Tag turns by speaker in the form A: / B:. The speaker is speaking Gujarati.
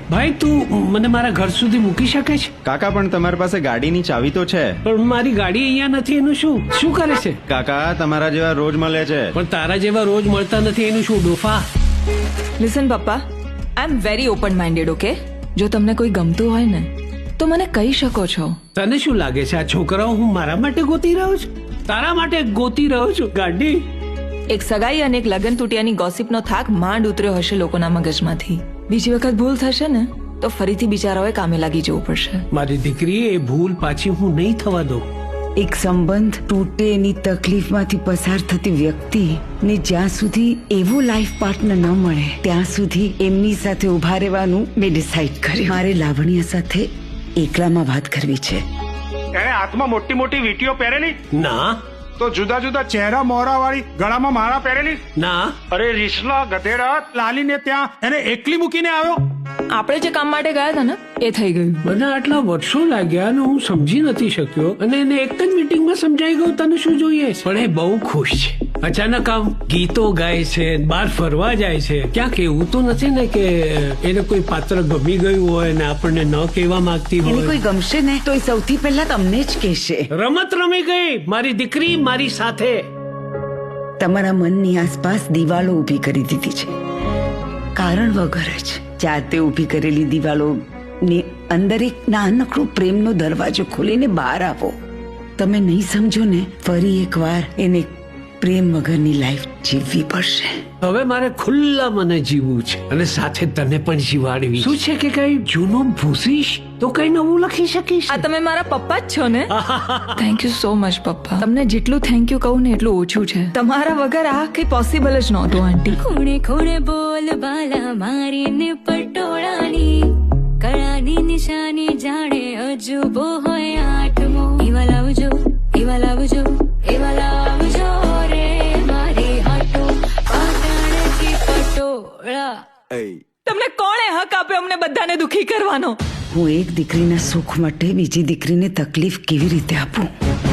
A: ભાઈ તું મને મારા ઘર સુધી મૂકી શકે છે?
B: કાકા પણ તમારી પાસે ગાડીની ચાવી તો છે.
A: પણ મારી ગાડી અહીંયા નથી, એનું શું કરે છે?
B: કાકા તમારા જેવા રોજ મળે છે.
A: પણ તારા જેવા રોજ મળતા નથી, એનું શું ડોફા?
C: લિસન પપ્પા, I am very open minded. Okay, જો તમને કોઈ ગમતું હોય ને તો મને કહી શકો છો.
A: તને શું લાગે છે આ છોકરાઓ હું મારા માટે ગોતી રહ્યો છું? તારા માટે ગોતી રહ્યો છું ગાડી.
C: એક સગાઈ અને એક લગ્ન તૂટ્યાની ગોસિપનો થાક માંડ ઉતર્યો હશે લોકોના મગજમાંથી. બીજી વખત ભૂલ થશે ને તો ફરીથી બિચારાઓએ કામે લાગી જવું પડશે.
A: મારી દીકરી, એ ભૂલ પાછી હું નહીં થવા દઉં.
D: એક સંબંધ તૂટે એની તકલીફમાંથી પસાર થતી વ્યક્તિ ને જ્યાં સુધી એવો લાઈફ પાર્ટનર ન મળે ત્યાં સુધી એમની સાથે ઉભા રહેવાનું મેં ડિસાઈડ કર્યું. મારે લાવણ્ય સાથે એકલામાં વાત કરવી છે.
E: એને હાથમાં મોટી મોટી વીંટીઓ પહેરેલી,
A: ના
E: તો જુદા જુદા ચહેરા મોહરા વાળી ગળામાં માળા પહેરેલી.
A: ના,
E: અરે રીસલા ગધેડા, લાલીને ત્યાં એને એકલી મૂકીને આવ્યો.
C: આપણે જે કામ માટે ગયા હતા ને એ થઈ ગયું.
A: મને આટલા વર્ષો લાગ્યા અને હું સમજી નથી શક્યો, અને એને એક જ મીટિંગમાં સમજાઈ ગયું તને શું જોઈએ. પણ એ બહુ ખુશ છે. અચાનક આમ ગીતો ગાય છે, બહાર ફરવા જાય છે. ક્યાંક એવું તો નથી ને કે એને કોઈ પાત્ર ગમી ગયું હોય ને આપણને ન કહેવા માંગતી
D: એને
A: હોય?
D: કોઈ ગમશે ને તો એ સૌથી પહેલા તમને જ કહેશે.
A: રમત રમી ગઈ મારી દીકરી મારી સાથે.
D: તમારા મનની આસપાસ દિવાલો ઊભી કરી દીધી છે, કારણ વગર જ. જાતે ઊભી કરેલી દિવાલો ની અંદર એક નાનકડો પ્રેમનો દરવાજો ખોલીને બહાર આવો. તમે નહીં સમજો ને ફરી એકવાર એને પ્રેમ વગરની લાઈફ જીવવી પડશે.
A: હવે મારે ખુલ્લા મને જીવવું છે અને સાથે તને પણ જીવાડવી. શું છે કે કઈ જૂનું ભૂસીશ તો કઈ નવું લખી શકીશ.
C: આ તમે મારા પપ્પા જ છો ને? થેન્ક યુ સો મચ પપ્પા. તમને જેટલું થેન્ક યુ કહું ને એટલું ઓછું છે. તમારા વગર આ કઈ પોસિબલ જ નહોતું આંટી.
F: ખૂણે ખૂણે બોલ બાલા મારીને પટોળાની કળાની નિશાની જાણે અજુબો હોય આઠમો. એવા લાવજો, એવા લાવજો, એવા લાવજો રે મારી હાટો પાટણથી પટોળા.
C: તમને કોણે હક આપ્યો અમને બધાને દુખી કરવાનો?
D: હું એક દીકરીના સુખ માટે બીજી દીકરીને તકલીફ કેવી રીતે આપું?